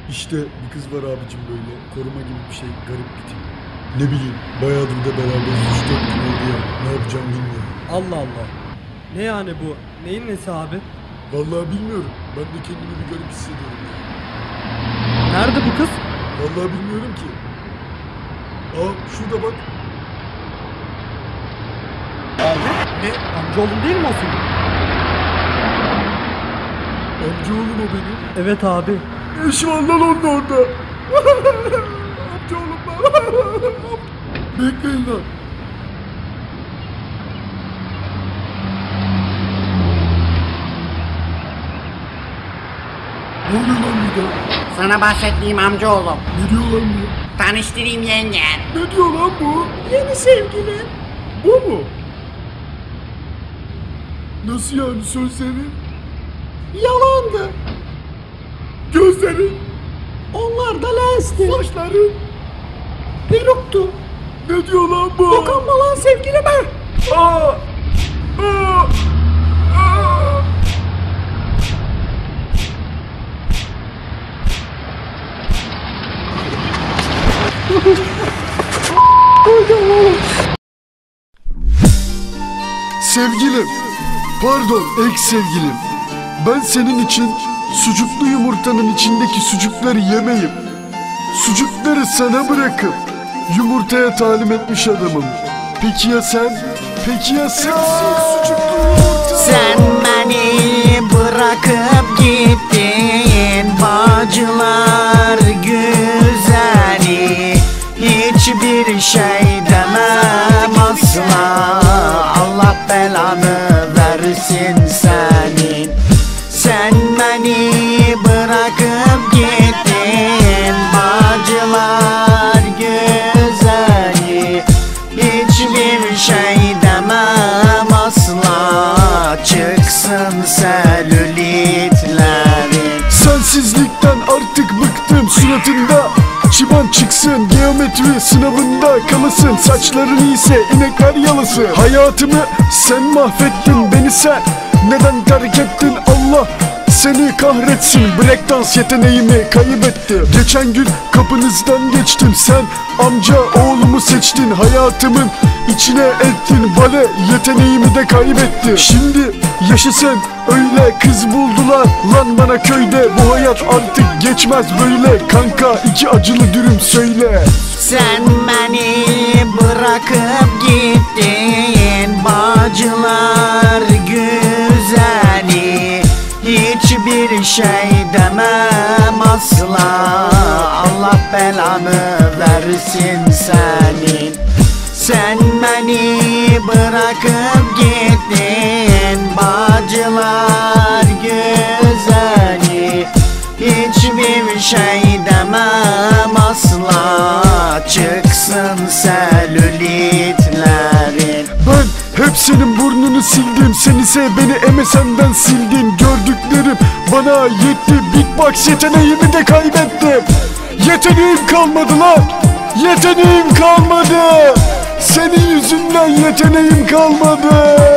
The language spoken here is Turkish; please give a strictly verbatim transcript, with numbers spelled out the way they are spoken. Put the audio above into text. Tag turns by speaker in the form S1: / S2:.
S1: İşte bir kız var abicim, böyle koruma gibi bir şey, garip bir tip. Ne bileyim, bayağıdır da beraberiz, üç dört gün oldu ya, ne yapacağım bilmiyorum.
S2: Allah Allah. Ne yani bu? Neyin nesi abi?
S1: Vallahi bilmiyorum, ben de kendimi bir garip hissediyorum ya.
S2: Nerede bu kız?
S1: Vallahi bilmiyorum ki. Aa, şurada bak.
S2: Abi? Ne? Amcaoğlum değil mi o senin?
S1: Amcaoğlum o benim.
S2: Evet abi.
S1: Ne işi var lan onun orada? Amcaoğlum ben. Bekleyin lan. Ne oluyor lan burada?
S3: Sana bahsettiğim amcaoğlum.
S1: Ne diyor lan bu?
S3: Tanıştırayım yengen.
S1: Ne diyor lan bu?
S3: Yeni sevgilim.
S1: Bu mu? Nasıl yani, sözleri?
S3: Yalandı.
S1: Gözleri?
S3: Onlar da lensti.
S1: Saçları?
S3: Peruktu.
S1: Ne diyor lan bu?
S3: Dokunma lan sevgilime.
S1: Aa! Aa! Aa! Sevgilim, pardon ex sevgilim. Ben senin için sucuklu yumurtanın içindeki sucukları yemeyip sucukları sana bırakıp yumurtaya talim etmiş adamım. Peki ya sen? Peki ya sen? Sucuklu yumurta.
S3: Sen beni bırakıp gittin Bağcılar güzeli. Hiçbir şey demem asla. Allah belanı versin senin. Sen beni bırakıp gittin Bağcılar güzeli. Hiçbir şey demem asla. Çıksın selülitlerin.
S1: Sensizlikten artık bıktım, suratında çiban çıksın, geometri sınavında kalasın. Saçların ise inekler yalasın. Hayatımı sen mahvettin, beni sen neden terk ettin? Allah seni kahretsin. Breakdance yeteneğimi kaybettim. Geçen gün kapınızdan geçtim, sen amca oğlumu seçtin. Hayatımın içine ettin, bale yeteneğimi de kaybettim. Şimdi yaşasın öyle kız buldular lan bana köyde. Bu hayat artık geçmez böyle. Kanka iki acılı dürüm söyle.
S3: Sen beni bırakıp gittin Bağcılar güzeli. Hiçbir şey demem asla. Allah belanı versin senin. Sen beni bırakıp gittin Bağcılar güzeli. Hiçbir şey demem asla. Çıksın selülitlerin.
S1: Ben hep senin burnunu sildim, sen ise beni M S N'den sildin. Gördüklerim bana yetti, beatbox yeteneğimi de kaybettim. Yeteneğim kalmadı lan, yeteneğim kalmadı. Senin yüzünden yeteneğim kalmadı.